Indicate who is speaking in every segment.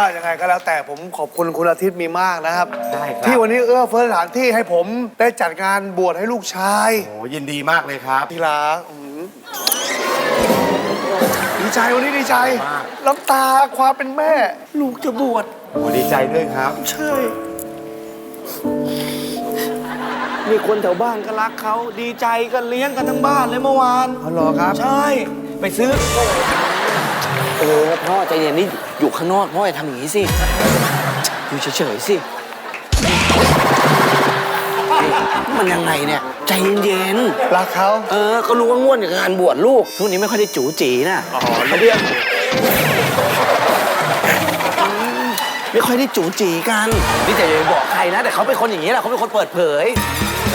Speaker 1: ยังไงก็แล้วแต่ผมขอบคุณคุณอาทิตย์มีมากนะครับ
Speaker 2: ได้ครับ
Speaker 1: ที่วันนี้เอื้อเฟื้อสถานที่ให้ผมได้จัดงานบวชให้ลูกชาย
Speaker 2: โอ้ยินดีมากเลยครับ
Speaker 1: ทีละดีใจวันนี้ดีใจ
Speaker 2: มาก
Speaker 1: น้ำตาความเป็นแม่ ลูกจะบวช
Speaker 2: โอ้ดีใจด้วยครับ
Speaker 1: ใช่
Speaker 3: มีคนแถวบ้านก็รักเขาดีใจกันเลี้ยงกันทั้งบ้านเลยเมื่อวาน
Speaker 1: อ๋อเหรอครับ
Speaker 3: ใช่ ไปซื้อพ่อใจเย็นนี่อยู่ข้างนอกพ่ออย่าทำอย่างนี้สิอยู่เฉยๆสิมันยังไงเนี่ยใจเย็น
Speaker 1: รักเขา
Speaker 3: ๆก็รู้ว่าง่วนกับงานบวชลูกช่วงนี้ไม่ค่อยได้จู๋จีนะ
Speaker 1: อ๋อ
Speaker 3: เขาเรียกไม่ค่อยได้จู๋จีกันนี่แต่อย่าไปบอกใครนะ แต่เขาเป็นคนอย่างนี้แหละเขาเป็นคนเปิดเผยใช่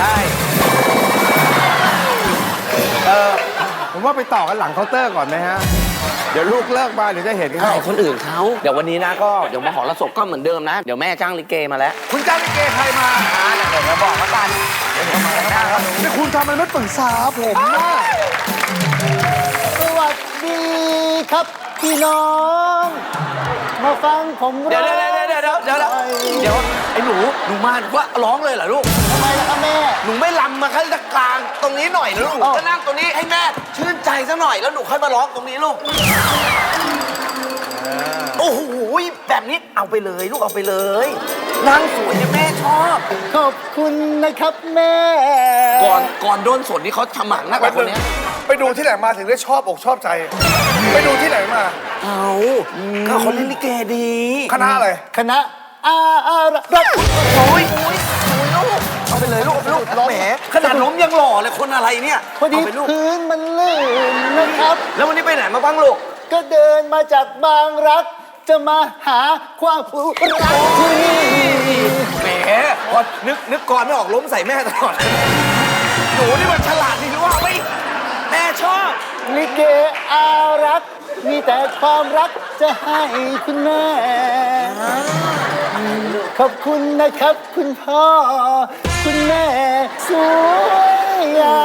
Speaker 2: ผมว่าไปต่อกันหลังเคาน์เตอร์ก่อนไหมฮะ เดี๋ยวลูกเลิกมาเดี๋ยวจะเห็นเขา
Speaker 3: ใช่คนอื่นเขาเดี๋ยววันนี้นะก็เดี๋ยวมหรสพก็เหมือนเดิมนะ เดี๋ยวแม่จ้างลิเกมาแล้ว
Speaker 1: คุณจ้างลิเกใครมา
Speaker 3: เดี๋ยวจะบอกแล้วกันเดี๋ยวมาแล้วครับ
Speaker 1: นี่คุณทำไมไม่ปรึกษาผมนะ
Speaker 4: สวัสดีครับพี่น้อง มาฟังผม
Speaker 3: เดี๋ยวไอ้หนูมาว่าร้องเลยเหรอลูก
Speaker 4: ทำไมล่ะครับแม่
Speaker 3: หนูไม่ลำมาขั้นกลางตรงนี้หน่อยเหรอลูกก็นั่งตรงนี้ให้แม่ชื่นใจซะหน่อยแล้วหนูค่อยมาร้องตรงนี้ลูกโอ้โหแบบนี้เอาไปเลยลูกเอาไปเลยนางสวยเนี่ยแม่ชอบ
Speaker 4: ขอบคุณนะครับแม่
Speaker 3: ก่อนโดนสนนี่เขาทำหมันนักกว่าคนเนี้ย
Speaker 1: ไปดูที่ไหนมาถึงได้ชอบอกชอบใจ ไปดูที่ไหนมา
Speaker 3: เอาก็เขาเล่นลิเกดี
Speaker 1: คณะอะไร
Speaker 4: คณะรัก
Speaker 3: โอ้ยลูกเอาไปเลยลูกแหมขนาดล้มยังหล่อเลยคนอะไรเนี่ย
Speaker 4: พอดี
Speaker 3: เอาไปลูก
Speaker 4: พื้นมันลื่นนะครับ
Speaker 3: แล้ววันนี้ไปไหนมาบ้างลูก
Speaker 4: ก็เดินมาจากบางรัก จะมาหาความรักที่นี่
Speaker 3: แหมพอนึกก่อนไม่ออกล้มใส่แม่ตลอดหนูนี่มันฉลาดจริงๆว่าไม่แม่ชอบ
Speaker 4: ลิเกอารัก มีแต่ความรักจะให้คุณแม่ ขอบคุณนะครับคุณพ่อ คุณแม่สวยงาม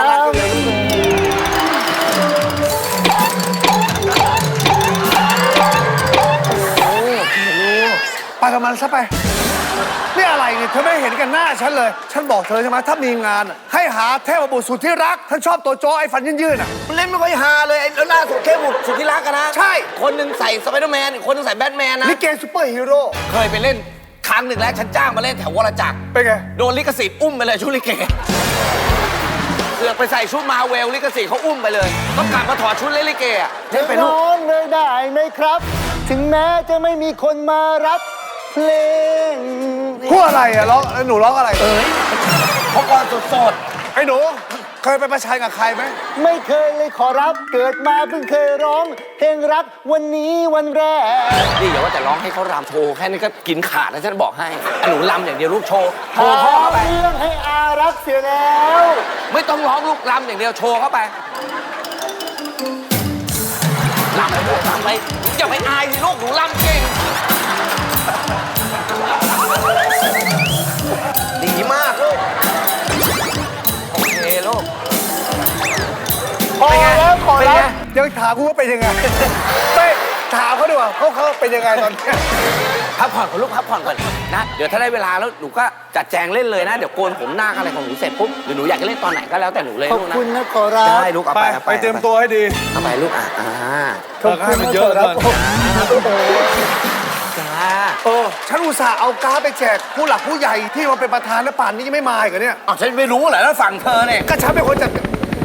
Speaker 1: ไปกับมันซะไปนี่อะไรเนี่ยเธอไม่เห็นกันหน้าฉันเลย ฉันบอกเธอใช่ไหมถ้ามีงานอะให้หาเทพบุตรสุดที่รักท่านชอบตัวโจ้ไอ้ฟันยื่นๆอ่ะ
Speaker 3: มันเล่นไม่ค่อยฮาเลยแล้วล่าสุดแค่บุกสุดที่รักกันนะ
Speaker 1: ใช่
Speaker 3: คนหนึ่งใส่สไปเดอร์แมนอีกคนหนึงใส่แบทแมนนะ
Speaker 1: ลิเกซูเปอร์ฮีโร่
Speaker 3: เคยไปเล่นครั้งหนึ่งแล้วฉันจ้างมาเล่นแถววรจักร
Speaker 1: เป็นไง
Speaker 3: โดนลิขสิทธิ์อุ้มไปเลยชุดลิเกเสือกไปใส่ชุดมาเวลลิขสิทธิ์เขาอุ้มไปเลยต้องกลับมาถอดชุดเล่นลิเกอ่ะ
Speaker 4: จะ
Speaker 3: เล่นไปลูก
Speaker 4: ร้องเลยได้ไหมครับ ถึงแม้จะไม่มีคนมารับเพลง
Speaker 1: พูดอะไรอ่ะร้องหนูร้องอะไร
Speaker 3: เขาก่อนสด
Speaker 1: ไอ้หนูเคยไปประชันกับใครไหม
Speaker 4: ไม่เคยเลยขอรับเกิดมาเพิ่งเคยร้อง เพลงรักวันนี้วันแรก
Speaker 3: ๆนี่อย่าว่าแต่ร้องให้เขารำโชว์แค่นี้ก็กินขาดแล้วฉันบอกให้อ่ะหนูรำอย่างเดียวลูกโชว์โชว์พ่อเข้าไป
Speaker 4: เรื่องให้อารักเสียแล้ว
Speaker 3: ไม่ต้องร้องลูกรำอย่างเดียวโชว์เข้าไปรำไปลูกรำไปอย่าไปอายสิลูกหนูรำเก่งดีมากลูกโอเคลูก
Speaker 4: พอแล้วขอ
Speaker 3: เป็น
Speaker 4: รั
Speaker 3: ไง
Speaker 4: บ
Speaker 1: ยังถามกูว่าเป็นยังไง ไม่ถามเขาดีกว่าเขาเป็นยังไงตอนเนี้ย
Speaker 3: พักผ่อนก่อนลูกพักผ่อนก่อนนะเดี๋ยวถ้าได้เวลาแล้วหนูก็จัดแจงเล่นเลยนะเดี๋ยวโกนผมหน้าอะไรของหนูเสร็จปุ๊บหรือหนูอยากจะเล่นตอนไหนก็แล้วแต่หนูเลย
Speaker 4: ขอบ
Speaker 3: ลูกนะ
Speaker 4: คุณนะขอรับ
Speaker 3: ได้ลูกเอา
Speaker 1: ไป
Speaker 3: ไปเอา
Speaker 1: ไปเตรียมตัวให้ดี
Speaker 3: เอาไปลูก
Speaker 4: ขอบ
Speaker 1: เออให้
Speaker 4: คุณ
Speaker 1: มัน
Speaker 4: นะ
Speaker 1: เย
Speaker 4: ข
Speaker 1: อะ
Speaker 4: อรับ
Speaker 1: เหลือเกิน
Speaker 3: จ้า
Speaker 1: ฉันอุตส่าห์เอาการ์ดไปแจกผู้หลักผู้ใหญ่ที่มาเป็นประธานและป่านนี้ยังไม่มาอีกเหรอเนี่ย
Speaker 3: อ๋อฉันไม่รู้เหรอแล้วฝั่งเธอเนี่ย
Speaker 1: ก็ฉันเป็นคนจัด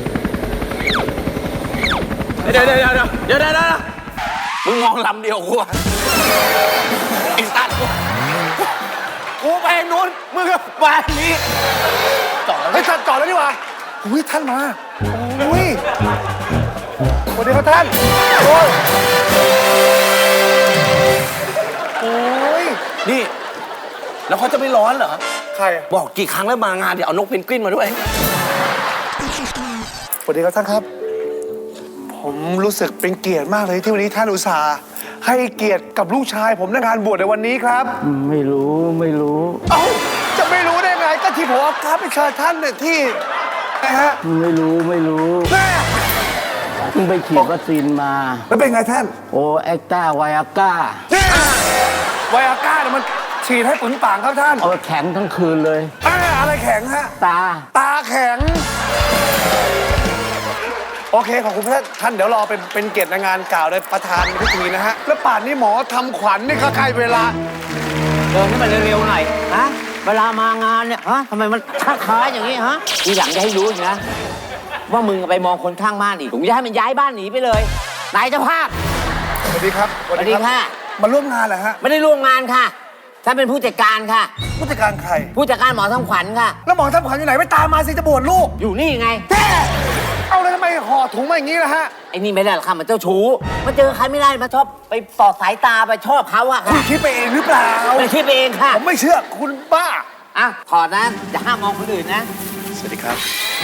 Speaker 3: เดี๋ยวมึงมองลำเดียวกูอะไอ้สัตว์กูไปนู้นมึงก็ไปนี้ต่อแล้ว
Speaker 1: เฮ้ยท่านจอดแล้วนี่หว่าอุ้ยท่านมาอุ้ยสวัสดีครับท่านโอ้ยโอ้ย
Speaker 3: นี่แล้วเขาจะไม่ร้อนเหรอ
Speaker 1: ใครอะ
Speaker 3: บอกกี่ครั้งแล้วมางานเดี๋ยวเอานกเพนกวินมาด้วย
Speaker 1: สวัสดีครับท่านครับ ผมรู้สึกเป็นเกียรติมากเลยที่วันนี้ท่านอุตส่าห์ให้เกียรติกับลูกชายผมในงานบวชในวันนี้ครับ
Speaker 4: ไม่รู้
Speaker 1: เอ้าจะไม่รู้ได้ไงก็ที่ผมเอาการ์ดไปเชิญท่านเนี่ยที่นะฮะ
Speaker 4: ไม่รู้
Speaker 1: แม่
Speaker 4: เพิ่งไปฉีดวัคซีนมา
Speaker 1: แล้วเป็นไงท่าน
Speaker 4: โอแอคต้าไวอาก้า
Speaker 1: เนี่ยไวอาก้าเนี่ยมันฉีดให้ปึงป่างครับท่าน
Speaker 3: เอาแข็งทั้งคืนเลย
Speaker 1: อะไรแข็งฮะ
Speaker 3: ตา
Speaker 1: ตาแข็ง โอเค ขอบคุณท่านเดี๋ยวรอเป็นเกียรติในงานกล่าวโดยประธานพิธีนะฮะ แล้วป่านนี้หมอทำขวัญนี่ก็ใกล้เวลา
Speaker 5: เดินให้มันเร็วๆหน่อยฮะเวลามางานเนี่ยฮะทำไมมันค้าๆอย่างนี้ฮะทีหลังจะให้รู้นะ ว่ามึงไปมองคนข้างบ้านอีกผมจะให้มันย้ายบ้านหนีไปเลยนายเจ้าภาพ
Speaker 1: สวัสดีครับ
Speaker 5: สวัสดีค่ะ
Speaker 1: มาร่วมงานเหรอฮะ
Speaker 5: ไม่ได้ร่วมงานค่ะฉันเป็นผู้จัดการค่ะ
Speaker 1: ผู้จัดการใคร
Speaker 5: ผู้จัดการหมอทำขวัญค่ะ
Speaker 1: แล้วหมอทำขวัญอยู่ไหนไม่ตามมาสิจะบวชลูก
Speaker 5: อยู่นี่ไง
Speaker 1: แท้เอาแล้วทำไมห่อถุงมาอย่างนี้ล่ะฮะ
Speaker 5: ไอ้นี่ไม่ได้หรอกค่ะมันเจ้าชู้มาเจอใครไม่ได้มาชอบไปสอดสายตาไปชอบเขาอะ
Speaker 1: คุ
Speaker 5: ค่ะ
Speaker 1: ณคิดไปเองหรือเปล่า
Speaker 5: ไม่คิดไปเองค่ะ
Speaker 1: ผมไม่เชื่อคุณบ้า
Speaker 5: อ่ะถอดนะอย่าห้ามมองคนอื่นนะ
Speaker 1: สวัสดีครับ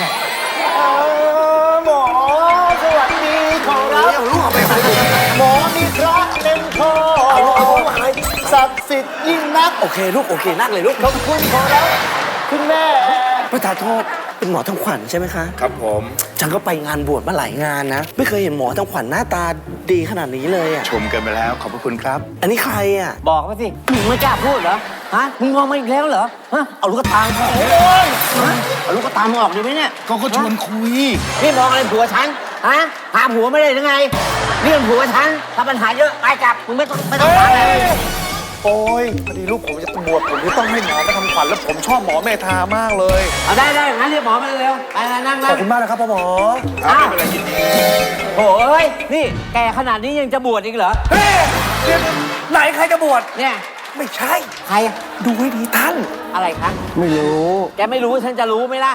Speaker 4: หมอสวัสดีขอรับ
Speaker 1: เอาลูกเอาไปเลย
Speaker 4: หมอมีพระเล่นคอศักดิ์สิทธิ์ยิ่งนัก
Speaker 3: โอเคลูกโอเคนั่งเลยลูก
Speaker 4: ขอบคุณขอรับคุณแม่
Speaker 3: ประธานโทษเป็นหมอทำขวัญใช่ไหมคะ
Speaker 2: ครับผม
Speaker 3: ฉันก็ไปงานบวชมาหลายงานนะ ไม่เคยเห็นหมอทำขวัญหน้าตาดีขนาดนี้เลยอ่ะ
Speaker 2: ชมกันไปแล้วขอบพระคุณครับ
Speaker 3: อันนี้ใครอ่ะ
Speaker 5: บอกมาสิมึงไม่กล้าพูดเหรอฮะมึงมองมาอีกแล้วเหรอฮะเอาลูกตาออกฮะเอาลูกตามออกดีไหมเนี่ย
Speaker 2: ก็ชวนคุย
Speaker 5: นี่มองอะไรผัวฉัน ฮะ หาผัวไม่ได้หรือไงเรื่องผัวฉัน ถ้าปัญหาเยอะไปกลับ มึงไม่ต้องฟังเลย
Speaker 1: โอ้ยพอดีลูกผมจะบวชผมจะต้องให้หมอมาทำขวัญแล้วผมชอบหมอเมธามากเลย
Speaker 5: เอาได้งั้นเรียกหมอมาเร็วๆไปนั่ง
Speaker 1: ขอบคุณมากนะครับพ่อหมอ
Speaker 5: อ้าวโอ้ยนี่แกขนาดนี้ยังจะบวชอีกเหรอ
Speaker 1: เฮ้ยเดี๋ยวไหนใครจะบวช
Speaker 5: เนี่ย
Speaker 1: ไม่ใช่
Speaker 5: ใครอะ
Speaker 1: ดูให้ดีท่าน
Speaker 5: อะไรคะ
Speaker 3: ไม่รู้
Speaker 5: แกไม่รู้ฉันจะรู้ไหมล่ะ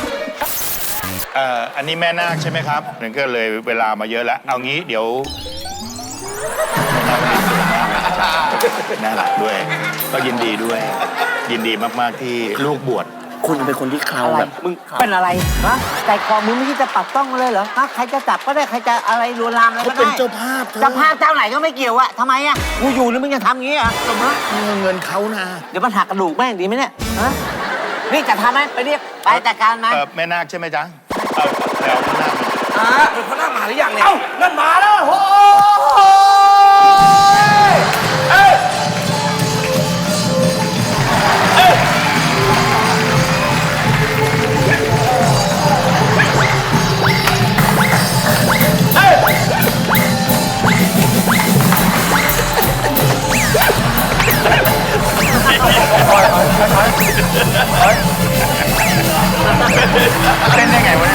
Speaker 2: อันนี้แม่นาคใช่ไหมครับนั่นก็เลยเวลามาเยอะแล้ว เอางี้เดี๋ยวน่ารักด้วย ก็ยินดีด้วย ยินดีมากๆที่ลูกบวช
Speaker 3: คุณเป็นคนที่เครา
Speaker 5: อะไร
Speaker 3: แบบ
Speaker 5: มึงเป็นอะไร ฮะ ใจคอมึงไม่คิดจะปัดต้องเลยเหรอ ฮะ ใครจะจับก็ได้ ใครจะอะไรลวนลามอะไรก็ได้
Speaker 2: เขาเป็นเจ้าภาพเธอ
Speaker 5: เจ้าภาพเจ้าไหนก็ไม่เกี่ยวอะทำไมอะกูอยู่แล้วมึงยังทำงี้เหรอสมมติ
Speaker 2: เงินเขานะ
Speaker 5: เดี๋ยวมันหักกระดูกแม่งดีไหมเนี่ย ฮะ นี่จะทำไหมไปเรียกไปจัดการมัน
Speaker 2: แม่นาคใช่ไหมจ๊ะแล้วแม่นาค
Speaker 3: เป็นพระหน้ามาหรือยังเนี่ย
Speaker 1: เอ้านั่นมาแล้วโอ้ย
Speaker 2: เต้นได้ไงวะเนี่ย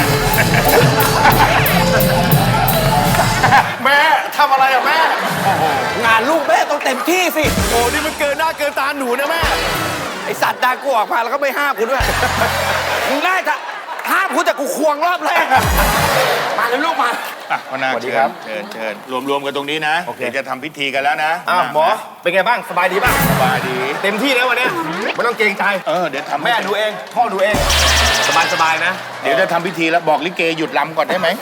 Speaker 2: แม่ทำอะไรอะแม่
Speaker 3: งานลูกแม่ต้องเต็มที่สิ
Speaker 2: โอ้นี่มันเกินหน้าเกินตาหนูนะแม่
Speaker 3: ไอสัตว์ดากูออกมาแล้วก็ไม่ห้ามกูด้วยมึงได้จะห้ามกูแต่กูควงรอบแรกอะมาเลยลูกมา
Speaker 2: อ่ะพ่อนาค
Speaker 6: สวัสดี
Speaker 2: เชิ
Speaker 6: ครั
Speaker 2: ญ
Speaker 6: บ
Speaker 2: เชิญรวมกันตรงนี้นะ
Speaker 6: โอเค
Speaker 2: เดี๋ยวจะทำพิธีกันแล้วนะ
Speaker 6: อ้าวหมอ เป็นไงบ้าง สบายดีป่ะ
Speaker 2: สบายดี
Speaker 6: เต็มที่แล้ววันเนี้ยไม่ต้องเกรงใจ
Speaker 2: เดี๋ยวทำ
Speaker 6: แม่ดูเอง พ่อดูเอง สบายนะ
Speaker 2: เดี๋ยวจะทำพิธีแล้วบอกลิเกหยุดลำก่อนได้ไหม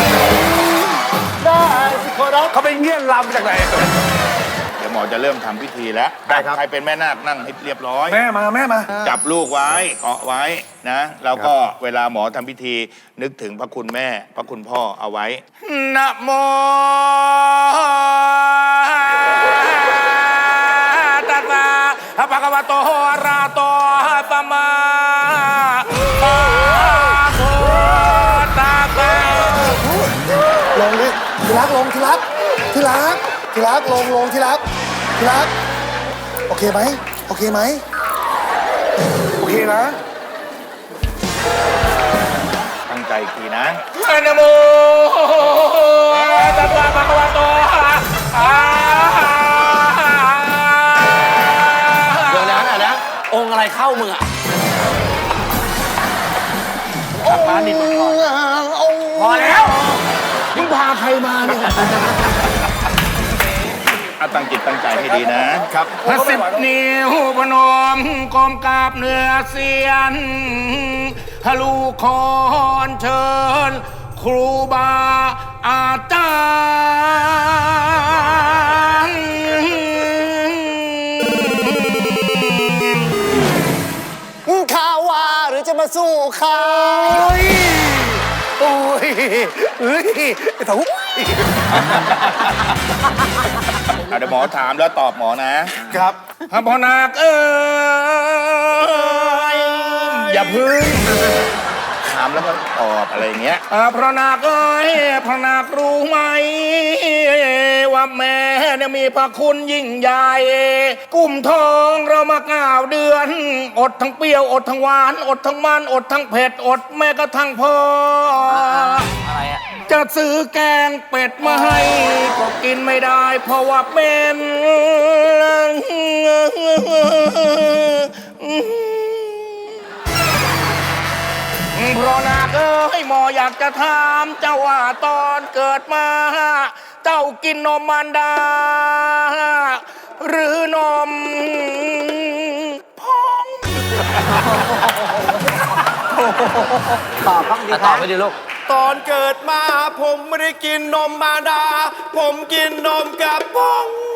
Speaker 4: ได้สิขอรับ
Speaker 1: เขาไปเงี้ยนลำจากไหน
Speaker 2: เดี๋ยวหมอจะเริ่มทำพิธีแล้ว
Speaker 6: ได้ครับ
Speaker 2: ใครเป็นแม่นาคนั่งให้เรียบร้อย
Speaker 1: แม่มา
Speaker 2: จับลูกไว้เกาะไว้นะ แล้วก็เวลาหมอทำพิธีนึกถึงพระคุณแม่ พระคุณพ่อเอาไว้นะโมตัสสะภะคะวะโตอะระหะโตสัมมาสัมพุทธัสสะ
Speaker 1: ลงดิที่รักลงที่รักที่รักที่รักลงที่รักที่รักโอเคไหมโอเคไหมโอเคนะ
Speaker 2: ตั้งใจอีกทีนะนะโมตัสสะภะคะวะโตอะระหะ
Speaker 3: เดี๋ยวนะ องค์อะไรเข้ามึงอะ
Speaker 2: มานิดก่อน
Speaker 3: พอแล้วมึงพาใครมาเนี่ย
Speaker 2: เอาตั้งจิตตั้งใจให้ดีนะครับพระสิบนิ้วพนมกรมกราบเนื้อเสียนทะลุคอนเชิญ ครูบาอาจารย์
Speaker 4: ข้าว่าหรือจะมาสู้เขา
Speaker 1: โอ้ยเฮ้ยไอ้เถา
Speaker 2: เดี๋ยวหมอถามแล้วตอบหมอนะครับ พระพนาคอย่าพึ่งถามแล้วก็ตอบอะไรอย่างเงี้ยพระนาคพระนาครู้ไหมว่าแม่เนี่ยมีพระคุณยิ่งใหญ่กุมทองเรามา9 เดือน อดทั้งเปรี้ยวอดทั้งหวานอดทั้งมันอดทั้งเผ็ดอดแม้กระทั่งพ่ออะไรอะจะซื้อแกงเป็ดมาให้ก็กินไม่ได้เพราะว่าเป็นเพราะนาคหมออยากจะถามเจ้าว่าตอนเกิดมาเจ้ากินนมมารดาหรือนมพอง
Speaker 5: ตอบบ้างดิ
Speaker 3: ต
Speaker 5: ค
Speaker 3: อ
Speaker 5: รั
Speaker 3: บบ ไปดิลูก
Speaker 6: ตอนเกิดมาผมไม่ได้กินนมมารดา ผมกินนมกระป๋อง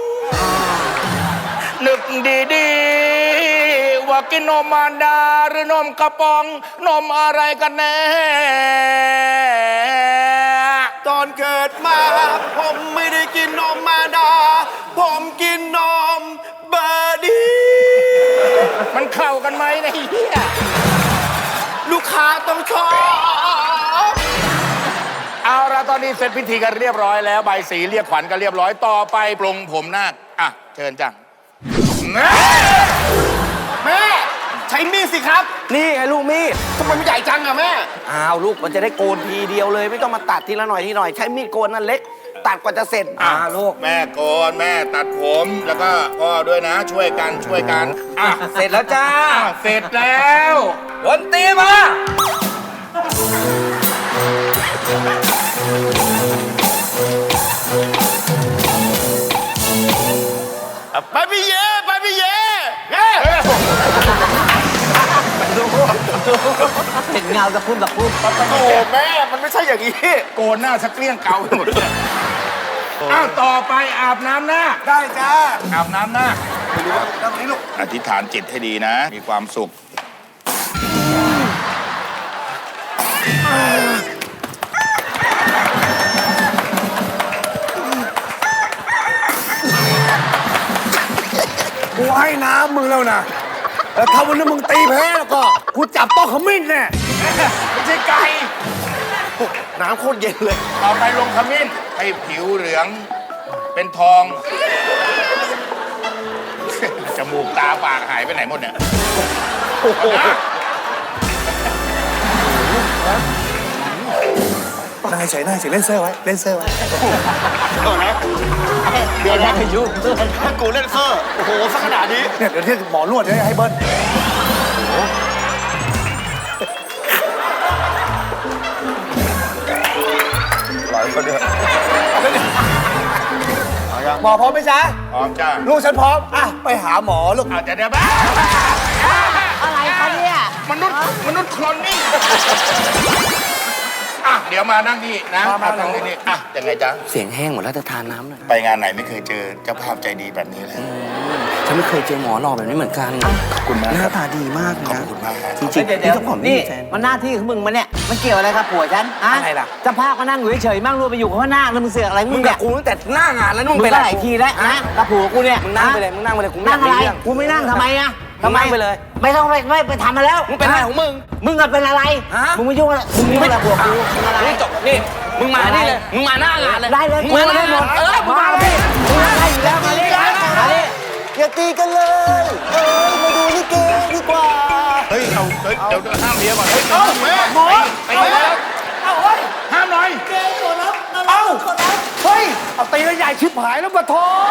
Speaker 2: นึกดีๆว่ากินนมมารดาหรือนมกระป๋องนมอะไรกันแน่
Speaker 6: ตอนเกิดมาผมไม่ได้กินนมมารดา ผมกินนมเบอร์ดี
Speaker 2: มันเข้ากันไหมเนี่ยไอ้เหี้ย
Speaker 6: ลูกค้าต้องชอบ
Speaker 2: เอาละตอนนี้เสร็จพิธีกันเรียบร้อยแล้วใบสีเรียกขวัญกันเรียบร้อยต่อไปปลงผมนาคอ่ะเชิญจ้ะแม่
Speaker 6: แม่ใช้มีดสิครับ
Speaker 3: นี่ไงลูกมีด
Speaker 6: ทำไมมันใหญ่จังอะแม่
Speaker 3: อ้าวลูกมันจะได้โกนทีเดียวเลย ไม่ต้องมาตัดทีละหน่อยทีหน่อยใช้มีดโกนนั่นเล็ก ตัดกว่าจะเสร็จลูก
Speaker 2: แม่โกนแม่ตัดผมแล้วก็พ่อด้วยนะช่วยกันอ่ะ
Speaker 3: เสร็จแล้วจ้า
Speaker 2: เสร็จแล้ว
Speaker 3: ดนตรีมา
Speaker 6: ไปพี่เย่ไปพี่เย่เย่
Speaker 5: เห็นเงาตะคุ่ม
Speaker 6: โอ้แม่มันไม่ใช่อย่างนี้
Speaker 2: โกนหน้าสักเกลี้ยงเกาไปหมดเลยอ้าวต่อไปอาบน้ำหน้า
Speaker 6: ได้จ้า
Speaker 2: อาบน้ำหน้า
Speaker 6: ไม่รู้ว่าตรงนี้ลูก
Speaker 2: อธิษฐานจิตให้ดีนะ มีความสุข
Speaker 1: กูให้น้ำมึงแล้วนะแล้วถ้าวันนี้มึงตีแพ้แล้วก็กูจับโต๊ะขมิ้นแน่
Speaker 2: ไม่ใช่ไก่
Speaker 6: น้ำโคตรเย็นเลย
Speaker 2: ต่อไปลงขมิ้นให้ผิวเหลืองเป็นทอง จมูกตาปากหายไปไหนหมดเนี่ยนะ
Speaker 1: นั่งเฉยๆนั่งเฉยๆเล่นเซอร์ไว้เล่นเซอร์ไว้
Speaker 5: เดี๋ยวได้ยุ่ง
Speaker 6: ถ้ากูเล่นเซอร์โอ้โหสักขนาดนี้
Speaker 1: เนี่ยเดี๋ยวที่หมอนวดเนี่ยให้เบิ้ล
Speaker 6: หลายคนเดียว
Speaker 1: หมอพร้อมไหมจ๊ะ
Speaker 2: พร้อมจ้า
Speaker 1: ลูกฉันพร้อมอ่ะไปหาหมอลูก
Speaker 2: อาจจะเดี๋ยวบ้า
Speaker 5: อะไรคะเนี่ย
Speaker 2: มนุษย์โคลนนิ่งอ่ะเดี๋ยวมานั่งนี่นะมานั่งนี่อ่ะยังไงจ๊ะ
Speaker 3: เสียงแห้งหมดแล้วจะทานน้ำหน่อย
Speaker 2: ไปงานไหนไม่เคยเจอเจ้าภาพใจดีแบบนี้เลย
Speaker 3: ฉันไม่เคยเจอหมอหล่อแบบนี้เหมือนกัน
Speaker 2: ขอบคุณมาก
Speaker 3: ห
Speaker 2: ค
Speaker 3: น้า
Speaker 2: รับ
Speaker 3: ตาดีมากเลย
Speaker 2: ขอบ
Speaker 3: นะ
Speaker 2: คุณมากครับ
Speaker 3: จริงๆ
Speaker 5: เดี๋ยว
Speaker 3: นี่ต้องขอมี
Speaker 5: นี่
Speaker 3: แฟน
Speaker 5: มันหน้าที่ของมึงมันเนี่ยมันเกี่ยวอะไรกับผัวฉันอะ
Speaker 3: อะไรล่ะ
Speaker 5: เจะภาพก็นั่งอยู่เฉยๆมั่งรู้ไปอยู่กับพ่อนาคแล้วมึงเสือกอะไร
Speaker 3: มึ
Speaker 5: มึ
Speaker 3: ง
Speaker 5: ง
Speaker 3: กั
Speaker 5: เนี่
Speaker 3: บ
Speaker 5: ย
Speaker 3: กูตั้งแต่หน้างานแล้วนี่
Speaker 5: มึ
Speaker 3: มึ
Speaker 5: ง
Speaker 3: งเป็น
Speaker 5: ก็
Speaker 3: อะไร
Speaker 5: หลายทีแล้วนะกับผัวกูเนี่ย
Speaker 3: มึงนั่งไปเลยมึงนั่งไปเลยกูไม่อ
Speaker 5: นั่
Speaker 3: ยาง ก
Speaker 5: อะไร
Speaker 3: มีเรื่อง
Speaker 5: กูไม่นั่งทำไมอะ
Speaker 3: มึงนั่งไปเลย
Speaker 5: ไม่ต้องไปทำมาแล้ว
Speaker 3: มึงเป็นอะไรของมึง
Speaker 5: มึงอะเป็นอะไร
Speaker 3: ฮะ
Speaker 5: มึงไม่ยุ่งอะไรมึงยุ่งอะไรกับผัวกูมึงอะไร
Speaker 3: นี่จบนี่มึงมานี่เลยมึงมาหน้างานเลย
Speaker 5: ได้เลย
Speaker 3: มึงมาหน้างานมึงมาเลย
Speaker 5: มึงได้อยู่แล้วมาดิมาดิ
Speaker 4: อย่าตีกันเลย มาดูลิเกดีกว่า
Speaker 2: เฮ้ยเดี๋ยวห้ามเมียก่อนเฮ้ยแม่หมอไปแล้วห้ามหน่อย
Speaker 1: เอ้าเฮ้ยเอาตีแล้วใหญ่ชิบหายแล้วมาโท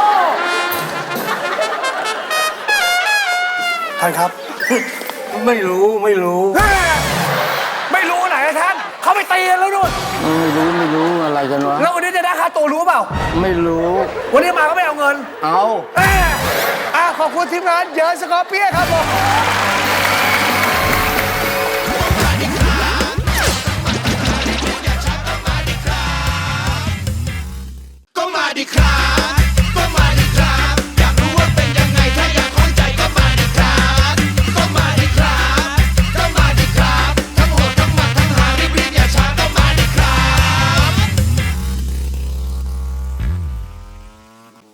Speaker 1: ท่านครับ
Speaker 3: ไม่รู้ไม่รู้
Speaker 1: ไม่รู้ไหนนะท่านเขาไปตีกันแล้วนู่น
Speaker 3: ไม่รู้อะไรกันวะ
Speaker 1: แล้ววันนี้จะได้ค่าตัวรู้เปล่า
Speaker 3: ไม่รู้
Speaker 1: วันนี้มาก็ไม่เอาเงิน
Speaker 3: เอา
Speaker 1: ขอบคุณทีมงานเยอะสกอร์เปียครับผม